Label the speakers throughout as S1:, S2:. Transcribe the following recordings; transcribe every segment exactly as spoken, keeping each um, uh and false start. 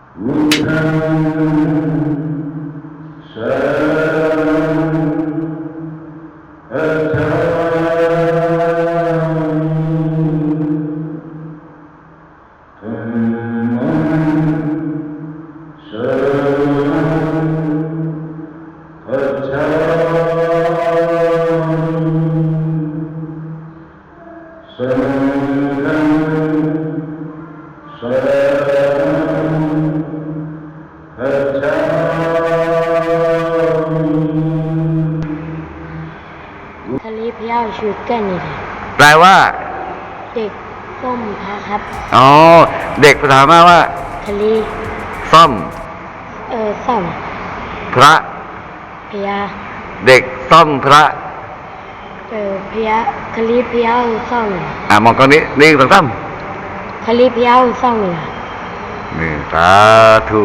S1: ทะเลพยาวชุดกันนี่ค่ะ
S2: แปลว่า
S1: เด็กส้มพระครับ
S2: อ๋อเด็กภาษาพม่าว่า
S1: ทะเล
S2: ส้ม
S1: เออส้ม
S2: พระ
S1: พยา
S2: เด็กส้มพระ
S1: เออพยาทะเลพยาวส้ม
S2: อ่ามองตรงนี้นี่ตรงซ้
S1: ำทะเลพยาวส้มเลย
S2: นี่สาธุ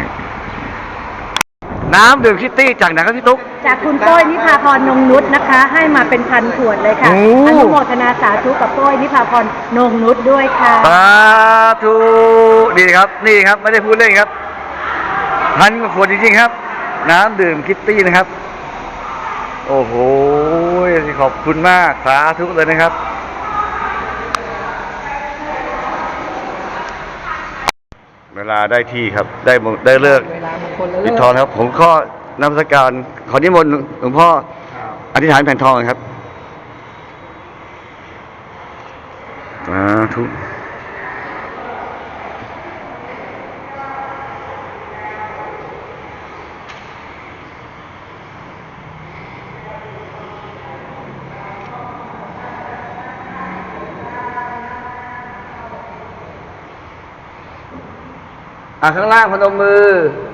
S2: น้ำดื่มคิตตี้จากไหนครับพี่ตุ๊ก
S3: จากคุณโป้ยนิพาพรนงนุชนะคะให้มาเป็นพันขวดเลยค่ะอนุโมทนาสาธุกับโป้ยนิพาพรนงนุชด้วยค่ะ
S2: สาธุดีครับนี่ครับไม่ได้พูดเล่นครับพันขวดจริงๆครับน้ำดื่มคิตตี้นะครับโอ้โหขอบคุณมากสาธุเลยนะครับเวลาได้ที่ครับได้ได้เลิกปิดทองครับผมข้อนมัสการขอนิมนต์หลวงพ่ออธิษฐานแผ่นทองครับสาธุอ่ะข้างล่างพนมมือ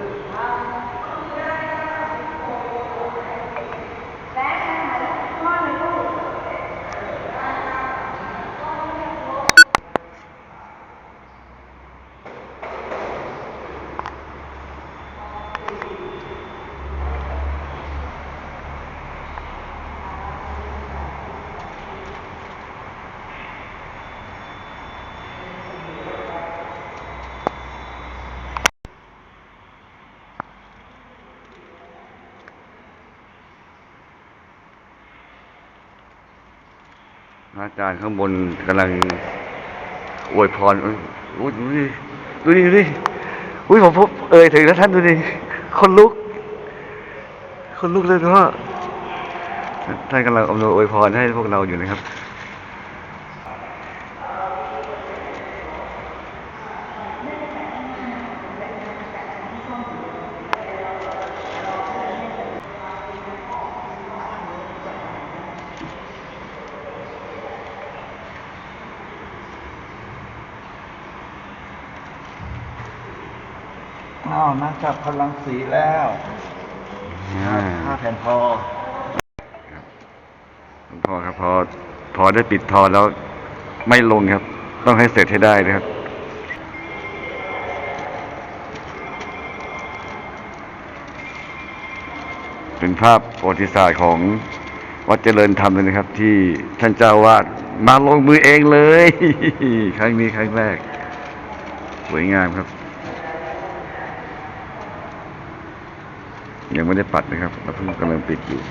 S2: อาจารย์ข้างบนกำลังอวยพรอุ้ยดูดิดูดิดูดิอุ้ยผมพบเอ่ยถึงแล้วท่านดูดิคนลุกคนลุกเลยเพราะท่านกำลังอำนวยอวยพรให้พวกเราอยู่นะครับ
S4: อ้าวนักจับพลังสีแล้วห้าแผ่นทอ
S2: หลวงพ่อครับพอพอได้ปิดทอแล้วไม่ลงครับต้องให้เสร็จให้ได้นะครับเป็นภาพประวัติศาสตร์ของวัดเจริญธรรมเลยนะครับที่ท่านเจ้าวาดมาลงมือเองเลยครั้งนี้ครั้งแรกสวยงามครับยังไม่ได้ปัดนะครับเราเพิ่งกำลังปิดอยู่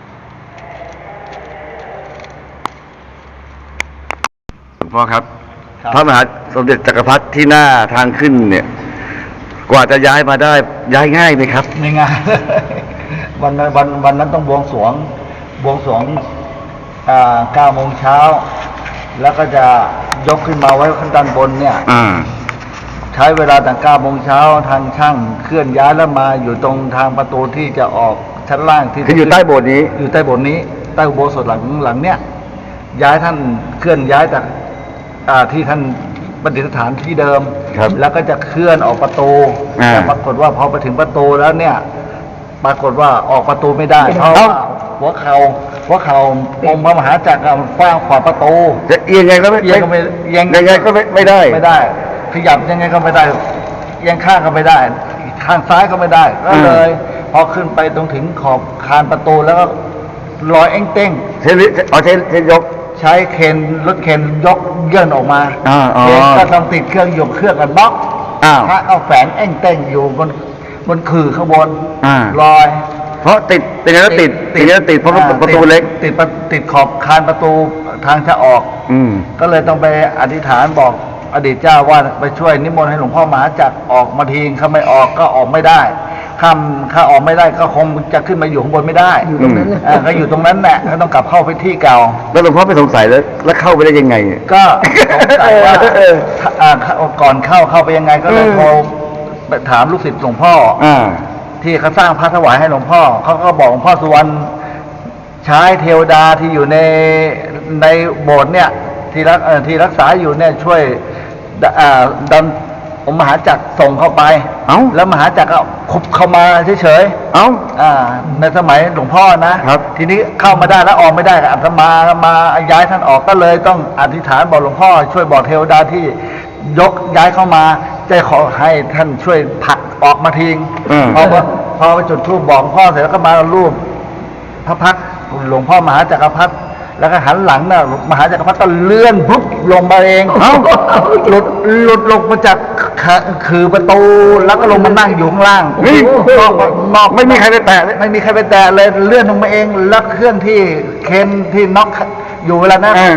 S2: หลวงพ่อครับพระมหาสมเด็จจักรพรรดิที่หน้าทางขึ้นเนี่ยกว่าจะย้ายมาได้ย้ายง่ายไหมครับ
S4: ไม่ง่ายวันนั้นวันวันนั้นต้องบวงสรวงบวงสรวงอ่าเก้าโมงเช้าแล้วก็จะยกขึ้นมาไว้ข้างด้านบนเนี่ยใช้เวลาตั้งเก้าโมงเช้าทางช่างเคลื่อนย้ายแล้วมาอยู่ตรงทางประตูที่จะออกชั้นล่างที่
S2: คืออยู่ใต้โบสถ์นี้
S4: อยู่ใต้โบสถ์นี้ใต้อุโบสถหลังหลังเนี้ยย้ายท่านเคลื่อนย้ายจากที่ท่านประดิษฐานที่เดิมแล้วก็จะเคลื่อนออกประตูแต่ปรากฏว่าพอไปถึงประตูแล้วเนี่ยปรากฏว่าออกประตูไม่ได้เพราะว่าหัวเข่าหัวเข่าองค์พระมหาจักรฟางขวาประตู
S2: จะเอียงไงก็ไม่
S4: เอียงก็ไม่
S2: ยังไงก็ไม่ไม่ได้
S4: ไม่ได้ขยับยังไงก็ไม่ได้ยังข้างก็ไม่ได้ข้างซ้ายก็ไม่ได้ก็เลยพอขึ้นไปตรงถึงขอบคานประตูแล้วก็ลอยเอ็งเต้ง
S2: เทนเอาเทนเทนยก
S4: ใช้เคนรถเคนยกเยื่อนออกมา
S2: เคน
S4: ก็ต้องติดเครื่องยกเครื่องกันบล็อก
S2: อ้าว
S4: พระเอาแฝงแอ่งเต่งอยู่บนบนขื่อข้างบน
S2: อ่า
S4: ลอย
S2: เพราะติดติดแล้วติดติดแล้วติดเพราะ
S4: อ่
S2: ประตูเล็ก
S4: ติดติดติดขอบคานประตูทางจะออก
S2: อืม
S4: ก็เลยต้องไปอธิษฐานบอกอดีตเจ้าว่าไปช่วยนิมนต์ให้หลวงพ่อมหาจักรออกมาทีถ้าไม่ออกก็ออกไม่ได้ข้ามข้าออกไม่ได้ก็คงจะขึ้นมาอยู่ข้างบนไม่ได้
S2: อยู่ตรงนั้น
S4: อ่าก็อยู่ตรงนั้นแหละก็ต้องกลับเข้าไปที่เก่า
S2: แล้วหลวงพ่อไม่สงสัยแล้วแล้วเข้าไปได้ยังไง
S4: ก็สงสัยว่า
S2: เออ
S4: อ่าก่อนเข้าเข้าไปยังไงก็เลย
S2: เออ
S4: โทรไปถามลูกศิษย์หลวงพ่อ
S2: อ่า
S4: ที่เขาสร้างพระถวายให้หลวงพ่อเขาก็บอกหลวงพ่อสุวรรณใช้เทวดาที่อยู่ในในโบสถ์เนี่ยที่รักเอ่อที่รักษาอยู่เนี่ยช่วยดอ่าดันองค์มหาจักรส่งเข้าไป
S2: เอ้า
S4: แล้วมหาจักรก็คุบเข้ามาเฉย
S2: เอ้า
S4: ๆอ่าในสมัยหลวงพ่อนะครับ ทีนี้เข้ามาได้แล้วออกไม่ได้ก็อาตมามาย้ายท่านออกก็เลยต้องอธิษฐานบอกหลวงพ่อ ช่วยบอกเทวดาที่ยกย้ายเข้ามาจะขอให้ท่านช่วยผลักออกมาทิ้ง
S2: อืม
S4: พอพอไปจุดธูปบอกหลวงพ่อเสร็จแล้วก็มารูปพระพักตร์หลวงพ่อมหาจักรพรรดิแล้วก็หันหลังน่ะมหาจักรพรรดิก็เลื่อนปุ๊บลงมาเอง
S2: เอ้า
S4: หลุดหลุดลงมาจากขาคือประตูแล้วก็ลงมานั่งอยู่ข้างล่าง
S2: เฮ้ย
S4: นอกนอก
S2: ไม่มีใครไปแตะเลย
S4: ไม่มีใครไปแตะเลยเลื่อนลงมาเองแล้วเครื่องที่เคนที่น็อกอยู่เวลานั้น
S2: อ่าร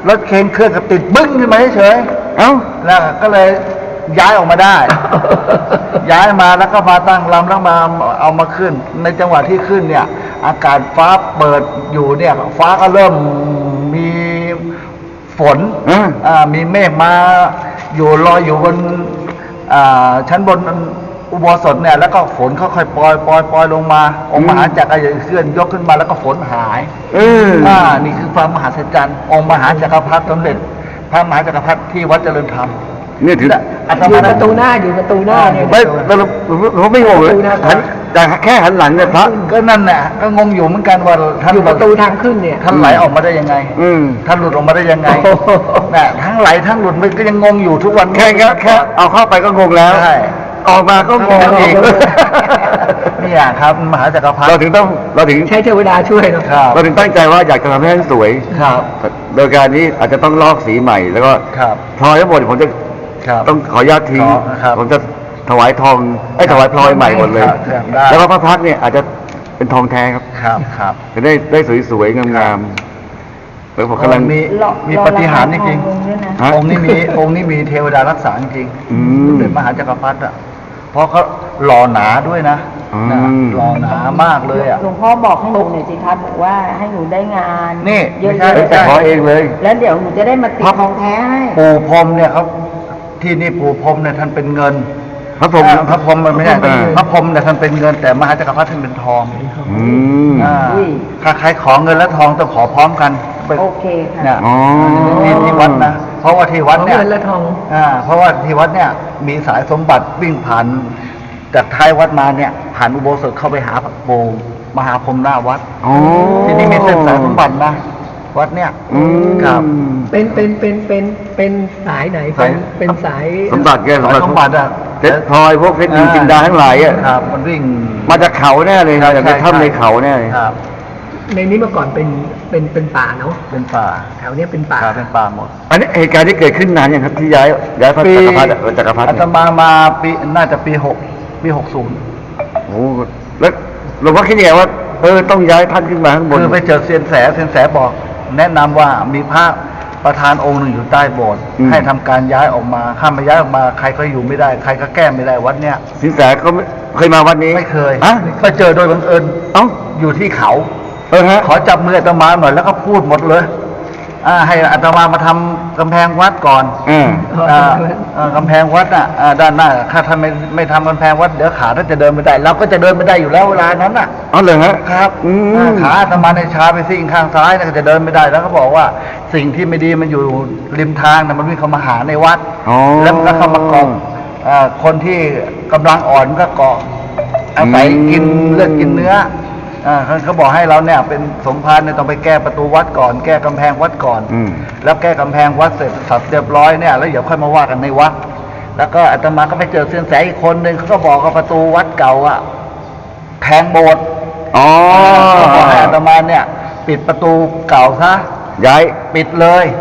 S4: ถเคนเครื่องก็ติดบึ้งขึ้นมาเฉย
S2: เอ้า
S4: ๆแล้วก็เลยย้ายออกมาได้ ย้ายมาแล้วก็มาตั้งลำแล้วมาเอามาขึ้น ในจังหวะที่ขึ้นเนี่ย อากาศฟ้าเปิดอยู่เนี่ย ฟ้าก็เริ่มมีฝน
S2: อ่า
S4: อ่ามีเมฆมาอยู่ลอยอยู่บนอ่าชั้นบนอุโบสถเนี่ยแล้วก็ฝนค่อยๆปล่อยปล่อยปล่อยลงมา องค์มหาจักรก็เคลื่อนยกขึ้นมาแล้วก็ฝนหาย
S2: เออ
S4: อ่านี่คือความมหัศจรรย์องค์มหาจักรพรรดิสมเด็จพระมหาจักรพรรดิที่วัดเจริญธรรม
S2: เนี่ยถือ
S4: อาต
S3: อยู่
S4: มา
S3: ประตูหน้าอยู่ประตูหน้าเนี่ย
S2: ไม่เราเราเราไม่งงเลย
S3: ประตูหน้า
S2: หันแต่แค่หันหลังเนี่ยพระ
S4: ก็นั่นแหละก็งงอยู่เหมือนกันว่าท่าน
S3: อยู่ประตูทางขึ้นเนี่ย
S4: ท่านไหลออกมาได้ยังไง
S2: อืม
S4: ท่านหลุดออกมาได้ยังไง
S3: โอ้โห
S4: น่ะทั้งไหลทั้งหลุดมันก็ยังงงอยู่ทุกวัน
S2: แค่แค่แค่เอาเข้าไปก็งงแล้ว
S4: ใช่
S2: ออกมาก็งงอีก
S4: เนี่ยครับมหาจักรพรรดิ
S2: เราถึงต้องเราถึง
S3: ใช้เทวดาช่วยเนาะ
S4: ครับ
S2: เราถึงตั้งใจว่าอยากจะทำให้ท่านสวย
S4: ครับ
S2: โดยการนี้อาจจะต้องลอกสีใหม่ แล้วก็
S4: ครับ
S2: พลอยทั้งหมดผมจะ
S4: ครับ
S2: ต้องขออนุญาตทิ้ง
S4: ขอครับ
S2: ผมจะถวายทองไอ้ยถวายพลอยใหม่หมดเลย
S4: ครับครับได้
S2: แล้วก็พระพักตร์เนี่ยอาจจะเป็นทองแท้ครับ
S4: ครับครับ
S2: จะได้ได้สวยๆงามๆแล้วผมกำลัง
S4: มี
S1: รอ
S4: มีปฏิหารย์จริง
S1: รอราคาทองด้วยนะ
S2: ฮะ
S4: ๆองค์นี้มีองค์นี้มีเทวดารักษาจริงๆ
S2: อืม
S4: สมเด็จมหาจักรพรรดิอ่ะเพราะเขาหล่อหนาด้วยนะ
S2: อืม
S4: นะหล่อหนามากเลยอ่ะ
S1: หลวงพ่อบอกให้หนูหน่อยสิครับบอกว่าให้หนูได้งาน
S4: นี่
S1: เยอะ
S4: ไม่ใช่
S2: เอ้ยแต่ขอเองเลย
S1: ๆแล้วเดี๋ยวหนูจะได้มาติด
S4: ครับ
S1: ทองแท้ให้
S4: ปู่พรหมเนี่ยเขาที่นี่ปู่พรหมเนี่ยท่านเป็นเงิน
S2: พระผม
S4: อ่าพระพรหมมันไม่ใช่
S2: อ่า
S4: พระพรหมเนี่ยท่านเป็นเงิน แต่มหาจักรพรรดิท่านเป็นทอง
S2: อืม
S4: อ่าถ้าใครขอเงินและทองต้องขอพร้อมกันไป
S1: โอเคค่ะ
S4: เนี่ย
S2: อ๋อ
S4: ที่ที่วัดนะเพราะว่าที่วัดเนี่ย
S3: เงินและทอง
S4: อ่าเพราะว่าที่วัดเนี่ยมีสายสมบัติวิ่งผ่านจากท้ายวัดมาเนี่ยผ่านอุโบสถเข้าไปหาพระโบมหาพรหมหน้าวัด
S2: อ๋อ
S4: ที่นี่มีเส้นสายสมบัตินะวัดเนี่ย
S2: อืม
S4: ครับ
S3: เป็นเป็นเป็นเป็นเป็นสายไหนเป็นเป็นสาย
S2: สมบัติแกสม
S4: สาย
S2: บัติ
S4: สมบัติอะ
S2: เพชรพลอยพวกเพชรนินจินดาทั้งหลายอ่ะ
S4: ครับ มันวิ่ง
S2: มาจากเขาแน่เลยนะจากใน
S4: ใช่
S2: ถ้ำใน
S4: ใช่
S2: เขาแน่เลย
S4: ครับ
S3: ในนี้เมื่อก่อนเป็นเป็นเป็นป่าเนาะ
S4: เป็นป่า
S3: แถวเนี้ยเป็นป่า
S4: ครับเป็นป่าหมด
S2: อันนี้เหตุการณ์ที่เกิดขึ้นนานยังครับที่ย้ายย้ายพระจักรพรรดิอะจักรพรรดิ
S4: อาต
S2: เนี่ย
S4: มามาปีน่าจะปีหกปีหกศูนย์
S2: โอ้โหแล้วหลวงพ่อคิดยังไงว่าเออต้องย้ายท่านขึ้นมาข้างบน
S4: คือไปเจอเซียนแสเซียนแสบอก แนะนำว่ามีพระประธานองค์หนึ่งอยู่ใต้โบสถ์ให้ทำการย้ายออกมาข้ามมาย้ายออกมาใครก็อยู่ไม่ได้ ใครก็แก้ไม่ได้วัดเนี้ย
S2: สินแสก็ไม่เคยมาวัดนี้
S4: ไม่เคย
S2: ฮะ
S4: ไปเจอโดยบังเอิญ
S2: เอ้า
S4: อยู่ที่เขา
S2: เออฮะ
S4: ขอจับมืออาตมาหน่อยแล้วก็พูดหมดเลยอ่าให้อาตมามาทำกำแพงวัดก่อน
S2: อ่า
S4: อ่าอ่ากำแพงวัดอ่ะอ่าด้านหน้าถ้าท่านไม่ไม่ทำกำแพงวัดเดี๋ยวขาท่านจะเดินไม่ได้ เราก็จะเดินไม่ได้อยู่แล้วเวลานั้นอ่ะ
S2: อ๋อเลยฮะ
S4: ครับ
S2: อืม
S4: อ่าขาอาตมาในชาไปซิ่งข้างซ้ายนะก็จะเดินไม่ได้ แล้วก็บอกว่าสิ่งที่ไม่ดีมันอยู่ริมทางนะมันวิ่งเข้ามาหาในวัด
S2: อ๋อ
S4: แล้วมันก็เข้ามาเกาะอ่าคนที่กำลังอ่อนมันก็เกาะอาศัยกินเลือดกินเนื้ออ่าเขาเขาบอกให้เราเนี่ยเป็นสมภารเนี่ยต้องไปแก้ประตูวัดก่อน แก้กำแพงวัดก่อน
S2: อืม
S4: แล้วแก้กำแพงวัดเสร็จสับเรียบร้อยเนี่ยแล้วเดี๋ยวค่อยมาว่ากันในวัด แล้วก็อาตมาก็ไปเจอเซียนแสอีกคนหนึ่งเขาก็บอกว่าประตูวัดเก่าอะแทงโบสถ์
S2: อ๋อ
S4: เขาบอกให้อาตมาเนี่ย ปิดประตูเก่าซะ
S2: ย้าย
S4: ปิดเลย
S2: อ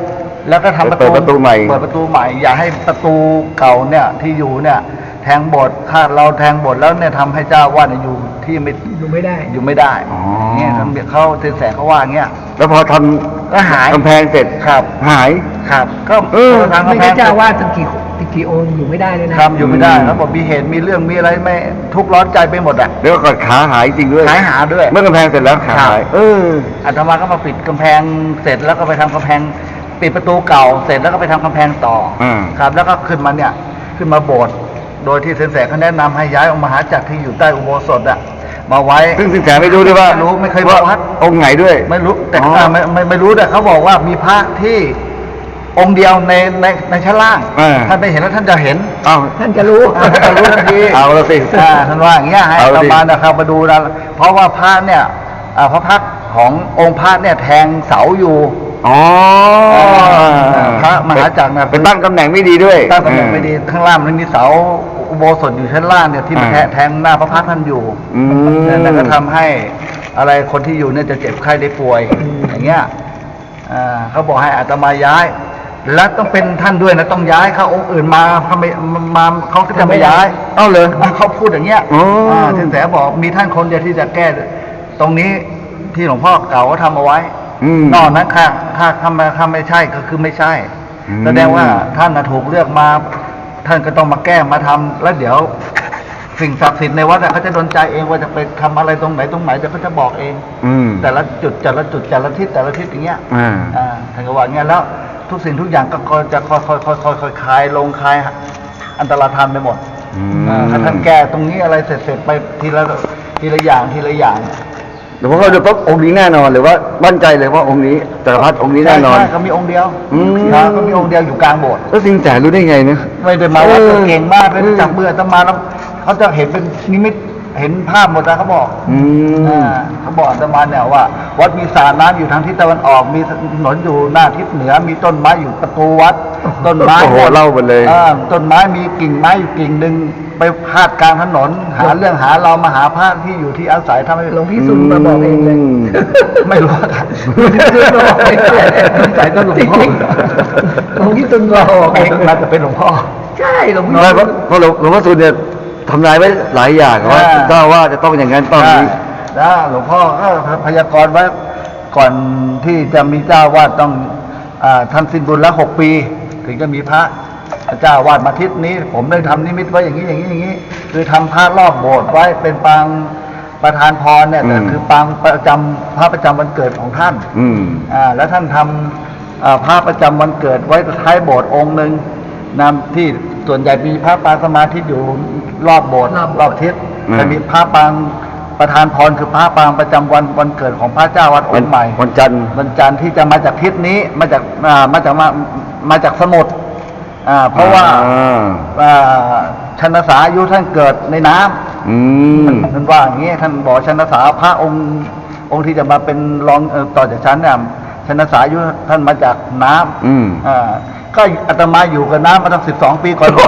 S4: แล้วก็ทำประ
S2: เปิ
S4: ตู
S2: ดประตูใหม่
S4: เปิดประตูใหม่ อย่าให้ประตูเก่าเนี่ยที่อยู่เนี่ย แทงบทถ้าเราแทงบทแล้วเนี่ยทำให้เจ้าวาดเนี่ยอยู่ที่ไม่
S3: อยู่ไม่ได้
S4: อยู่ไม่ได้
S2: อ๋อ
S4: เนี่ยท่านเขาเซนแสเขาว่าอย่างเงี้ย
S2: แล้วพอท
S4: ก็หาย
S2: ำกำแพงเสร็จ
S4: ครับ
S2: หาย
S4: ครับก็
S2: เออ
S4: ทาง
S3: ไม่
S4: กำแพ
S3: ใช่
S4: ง
S3: เจ้าว่าตั้งกี่กี่องค์อยู่ไม่ได้เลยนะ
S4: ทำอยู่ไม่ได้แล้วบอกมีเหตุมีเรื่องมีอะไรไม่ทุกข์ร้อนใจไปหมดอ่ะ
S2: แล้วก็ขาหายจริงด้วย
S4: หายหาด้วย
S2: เมื่อกำแพงเสร็จแล้วขาหาย เออ
S4: อาตมาก็มาปิดกำแพงเสร็จแล้วก็ไปทำกำแพงปิดประตูเก่าเสร็จแล้วก็ไปทำกำแพงต่ออ
S2: ม
S4: ครับ แล้วก็ขึ้นมาเนี่ยขึ้นมาโบสถ์โดยที่เซนแสเขาแนะนำให้ย้ายองค์มหาจักรที่อยู่ใต้อุโบสถอ่ะมาไว้
S2: ซึ่งสินแสไม่รู้ด้วยว่า
S4: ไม่รู้ไม่เคย
S2: ว่า
S4: วัด
S2: องค์ไหนด้วย
S4: ไม่รู้แต่
S2: อ๋อ
S4: อ่าไม่ไม่ไม่รู้แต่เขาบอกว่ามีพระที่องค์เดียวในในในชั้นล่าง
S2: อ่า
S4: ท่านไปเห็นแล้วท่านจะเห็น
S2: อ้าว
S3: ท่านจะรู้
S4: อ่าท่านจะรู้ทันที
S2: เอาละสิ
S4: อ่าท่านว่าอย่างเงี้ยให้
S2: เอา
S4: อา
S2: ละ
S4: ต
S2: สิ
S4: มานะครับมาดูนะเพราะว่าพระเนี่ยอ่าพระพักตร์ขององค์พระเนี่ยแทงเสาอยู่
S2: อ๋อ
S4: พระมหาจักรนะ
S2: ไปตั้งตำแหน่งไม่ดีด้วย
S4: ตั้งตำแหน่งไม่ดีข้างล่างมันมีเสาอุโบสถอยู่ชั้นล่างเนี่ยที่มัน
S2: อ่า
S4: แทงหน้าพระพักตร์ท่านอยู่
S2: อืม
S4: นั่นก็ทำให้อะไรคนที่อยู่เนี่ยจะเจ็บไข้ได้ป่วยอย่างเงี้ยอ่าเขาบอกให้อาตมาย้าย และต้องเป็นท่านด้วยนะต้องย้ายเขาองค์อื่นมาเขาไม่มาเขาก็จะไม่ย้าย
S2: เอ้าเลย
S4: เขาพูดอย่างเงี้ย
S2: อ๋ออ่
S4: าสินแสบอกมีท่านคนเดียวที่จะแก้ ตรงนี้ที่หลวงพ่อเก่าเขาทำเอาไว้
S2: อืม
S4: นอกนั้นค่ะถ้าถ้าไม่ถ้าไม่ใช่ก็คือไม่ใช่
S2: อืม
S4: แสดงว่าท่านน่ะถูกเลือกมา ท่านก็ต้องมาแก้มาทำแล้วเดี๋ยว สิ่งศักดิ์สิทธิ์ในวัดน่ะเขาจะดลใจเองว่าจะไปทำอะไรตรงไหนตรงไหนเดี๋ยวเขาจะบอกเอง
S2: อืม
S4: แต่ละจุดแต่ละจุดแต่ละทิศแต่ละทิศอย่างเงี้ย
S2: อ่า
S4: อ่าท่านก็ว่าอย่างเงี้ยแล้วทุกสิ่งทุกอย่างก็ก็จะค่อยค่อยค่อยค่อยค่อยคลายลงคลายอันตรธานไปหมด
S2: อืม
S4: อ่าถ้าท่านแก้ตรงนี้อะไรเสร็จเสร็จไปทีละทีละอย่างทีละอย่าง
S2: เดี๋ยวพอเขาจะปุ๊บองค์นี้แน่นอนหรือว่ามั่นใจเลยว่าองค์นี้จักรพรรดิองค์นี้แน่นอน
S4: ใช่ก็มีองค์เดียว
S2: อืม
S4: ครับก็มีองค์เดียวอยู่กลางโบสถ์
S2: แล้วสิงแสรู้ได้ไงเนี่ย
S4: ไม่ได้มาวัด
S2: เออ
S4: เก่งมากเลย
S2: อืม
S4: จับเบื่อจะมาแล้วเขาจะเห็นเป็นนิมิตเห็นภาพหมดนะเขาบอก
S2: อืม
S4: อ่าเขาบอกอาตมาเนี่ยว่า วัดมีสระน้ำอยู่ทางทิศตะวันออก มีถนนอยู่หน้าทิศเหนือ มีต้นไม้อยู่ประตูวัด ต้นไม้
S2: โอ้โหเล่าหมดเลย
S4: อ่าต้นไม้มีกิ่งไม้อยู่กิ่งหนึ่งไปพาดกลางถนน หาเรื่องหาเรามาหาพระที่อยู่ที่อาศัยทำให้
S3: หลวงพี่สุนมาบอกเองเลย
S2: ม
S4: ไม่รู้ครับ
S3: ใส่ต้นหลวงพ่อหลวงพี่สุนมาบอกเอง
S4: น่าจะเป็นหลวงพ่อ
S3: ใช่หลวงพี่
S2: น้อยเพราะเพราะหลวงหลวงพ่อสุนเนี่ยทำนายไว้หลายอย่างว่า
S4: อ่า
S2: เจ้าว่าจะต้องอย่างนั้นต้องอย่างนี้
S4: ได้หลวงพ่อก็พยากรณ์ไว้ก่อนที่จะมีเจ้าวาดต้องอาท่านสิ้นบุญแล้วหกปี ถึงจะมีพระเจ้าวาดมาทิศนี้ ผมได้ทำนิมิตไว้อย่างนี้อย่างนี้อย่างนี้ คือทำพระรอบโบสถ์ไว้เป็นปางประธานพรเนี่ยแต่
S2: อืม
S4: คือปางประจำพระประจำวันเกิดของท่าน
S2: อืม
S4: อ่าแล้วท่านทำอ่าพระประจำวันเกิดไว้ท้ายโบสถ์องค์หนึ่งนำที่ส่วนใหญ่มีพระปางสมาธิอยู่รอบโบสถ์รอบทิศ
S2: อืม
S4: จะมีพระปางประธานพรคือพระปางประจำวันวันเกิดของพระเจ้าวัดองค์ใหม่
S2: วันจันทร์
S4: วันจันทร์ที่จะมาจากทิศนี้มาจากอ่ามาจากมามาจากสมุทรอ่าเพราะว่า
S2: อ่า
S4: อ่าชันษาอายุท่านเกิดในน้ำ
S2: อืม
S4: ท่านว่าอย่างนี้ท่านบอกชันษาพระองค์องค์ที่จะมาเป็นรองเอ่อต่อจากฉันเนี่ยชันษาอายุท่านมาจากน้ำ
S2: อืม
S4: อ่าก็อาตมาอยู่กับน้ำมาตั้งสิบสองปีก่อนบวช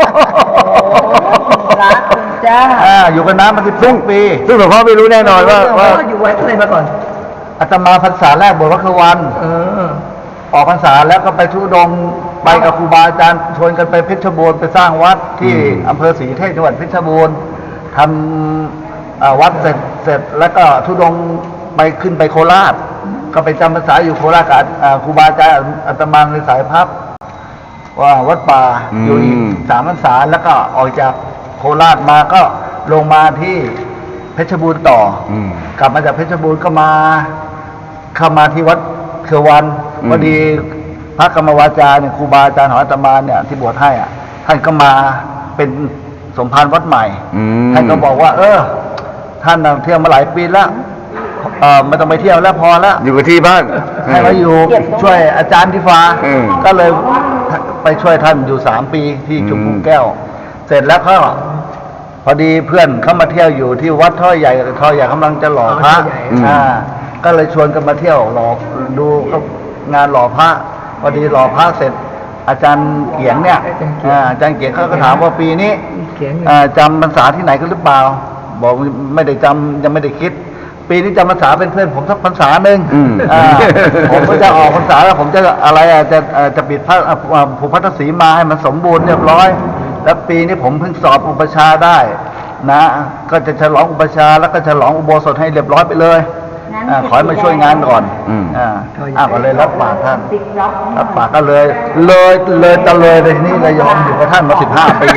S3: รักคุณจ้า
S4: อ่าอยู่กับน้ำมาสิบสองปี
S2: ซึ่งหลวงพ่อไม่รู้แน่นอนว่าว่า
S3: พ่ออยู่ไว้อะไรมาก่อน
S4: อาตมาพรรษาแรกบวชวัดคือวัน
S3: เออ
S4: ออกพรรษาแล้วก็ไปทุดงค์ไปกับครูบาอาจารย์ชวนกันไปเพชรบูรณ์ไปสร้างวัดที่
S2: อืม
S4: อำเภอศรีเทพจังหวัดเพชรบูรณ์ทำอ่าวัดเสร็จเสร็จแล้วก็ทุดงค์ไปขึ้นไปโคราช ก็ไปจำพรรษาอยู่โคราชกับอ่าครูบาอาจารย์อาตมาในสายพับว่าวัดป่า
S2: อืม
S4: อยู่อีกสามพรรษาแล้วก็ออกจากโคราชมาก็ลงมาที่เพชรบูรณ์ต่ออ
S2: อืม
S4: กลับมาจากเพชรบูรณ์ก็มาเข้ามาที่วัดเขือวัน
S2: อืม
S4: พอดีพระกรรมวาจาเนี่ยครูบาอาจารย์ของอาตมาเนี่ยที่บวชให้อ่ะท่านก็มาเป็นสมภารวัดใหม่
S2: อืม
S4: ท่านก็บอกว่า เออ ท่านน่ะเที่ยวมาหลายปีแล้วเออไม่ต้องไปเที่ยวแล้วพอแล้ว
S2: อยู่กับที่บ้าน
S4: ให้มาอยู่ช่วยอาจารย์ที่ฟ้า
S2: อืม
S4: ก็เลยไปช่วยท่านอยู่สามปีที่ชุมพู
S2: อืม
S4: แก้ว เสร็จแล้วก็พอดีเพื่อนเขามาเที่ยวอยู่ที่วัดท่อใหญ่ท่อใหญ่กำลังจะหล่อพระ
S3: อ๋อท่อใหญ่
S4: อ่าก็เลยชวนกันมาเที่ยวหล่อดูงานหล่อพระพอดีหล่อพระเสร็จ อาจารย์เกียงเนี่ยอ่าอาจารย์เกียงเขาก็ถามว่าปีนี้
S3: เขียน
S4: อ่าจำพรรษาที่ไหนกันหรือเปล่า บอกไม่ได้จำยังไม่ได้คิดปีนี้จำพรรษาเป็นเพื่อนผมสักพรรษาหนึ่ง
S2: อืม
S4: อ่าผมก็จะออกพรรษาแล้วผมจะอะไรอ่ะจะเอ่อจะปิดพระอ่าผูกพัทธสีมาให้มันสมบูรณ์เรียบร้อย แล้วปีนี้ผมเพิ่งสอบอุปชฌาย์ได้นะก็จะฉลองอุปชฌาย์แล้วก็ฉลองอุโบสถให้เรียบร้อยไปเลยอ่าขอให้มาช่วยงานก่อน
S2: อืม
S4: อ่าอ่าก็เลยรับปากท่านรับปากก็เลยเลยเลยตะเลยไปทีนี้เลยยอมอยู่กับท่านมาสิบห้าปี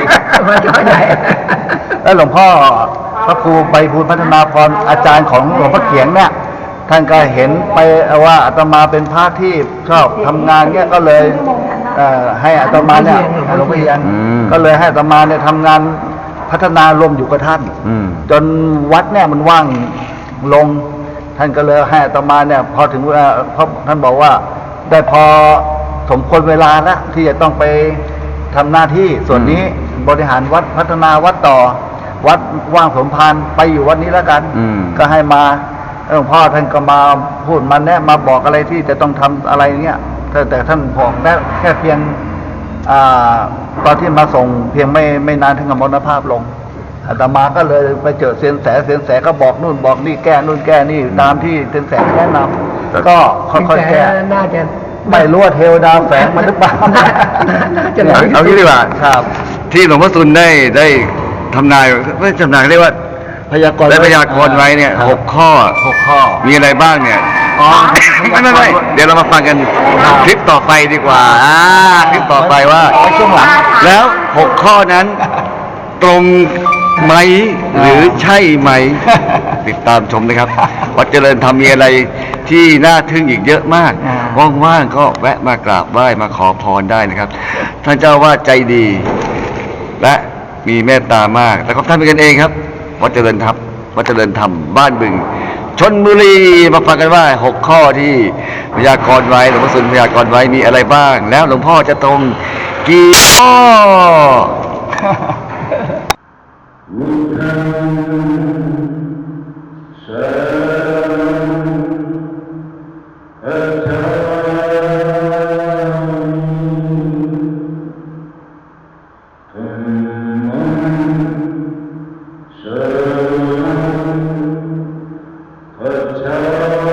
S4: แล้วหลวงพ่อพระครูใบบูลย์พัฒนาพรอาจารย์ของหลวงพ่อเขียงเนี่ยท่านก็เห็นไปว่าอาตมาเป็นพระที่ชอบทำงานเนี่ยก็เลยเอ่อให้อาตมาเนี่ยหลวงพ่อเขียง
S2: อืม
S4: ก็เลยให้อาตมาเนี่ยทำงานพัฒนารวมอยู่กับท่าน
S2: อืม
S4: จนวัดเนี่ยมันว่างลง ท่านก็เลยให้อาตมาเนี่ยพอถึงเวลาเพราะท่านบอกว่าได้พอสมควรเวลาแล้วที่จะต้องไปทำหน้าที่ส่วนนี้บริหารวัดพัฒนาวัดต่อ วัดว่างสมภารไปอยู่วัดนี้แล้วกัน
S2: อืม
S4: ก็ให้มาหลวงพ่อท่านก็มาพูดมาแนะมาบอกอะไรที่จะต้องทำอะไรเงี้ยแต่แต่ท่านบอกแค่แค่เพียงอ่าตอนที่มาส่งเพียงไม่ไม่นานถึงกับมรณภาพลงอาตมาก็เลยไปเจอเซียนแสเซียนแสก็บอกนู่นบอกนี่แก้นู่นแก้นี่ตามที่เซียนแสแนะนำก็ค่อยๆแก้
S3: น่าจะ
S4: ไม่รู้ว่าเทวดาแฝงมันหรือเปล่า
S3: จะ
S2: เอาเอางี้ดีกว่า
S4: ครับ
S2: ที่หลวงพ่อตุลได้ได้ทำนายไม่ทำนายเรียกว่า
S4: พยากรณ์
S2: ได้พยากรณ์ไว้เนี่ย
S4: ครับ
S2: หกข้อ
S4: หกข้อ
S2: มีอะไรบ้างเนี่ย
S4: อ๋อ
S2: ไม่ไม่ไม่เดี๋ยวเรามาฟังกัน
S4: ครับ
S2: คลิปต่อไปดีกว่าอ่าคลิปต่อไปว่า
S4: เอาช่วงหลัง
S2: แล้วหกข้อนั้น ตรงไหมหรือใช่ไหม ติดตามชมนะครับวัดเจริญธรรมมีอะไรที่น่าทึ่งอีกเยอะมาก
S4: อ่า
S2: ว่างๆก็แวะมากราบไหว้มาขอพรได้นะครับ ท่านเจ้าว่าใจดี และมีเมตตามากแล้วก็ท่านเป็นกันเองครับวัดเจริญธรรมวัดเจริญธรรมบ้านบึงชนบุรีมาฟังกันว่าหกข้อที่พยากรณ์ไว้หลวงพ่อสุนพยากรณ์ไว้มีอะไรบ้าง แล้วหลวงพ่อจะตรงกี่ข้อ
S5: Shalom,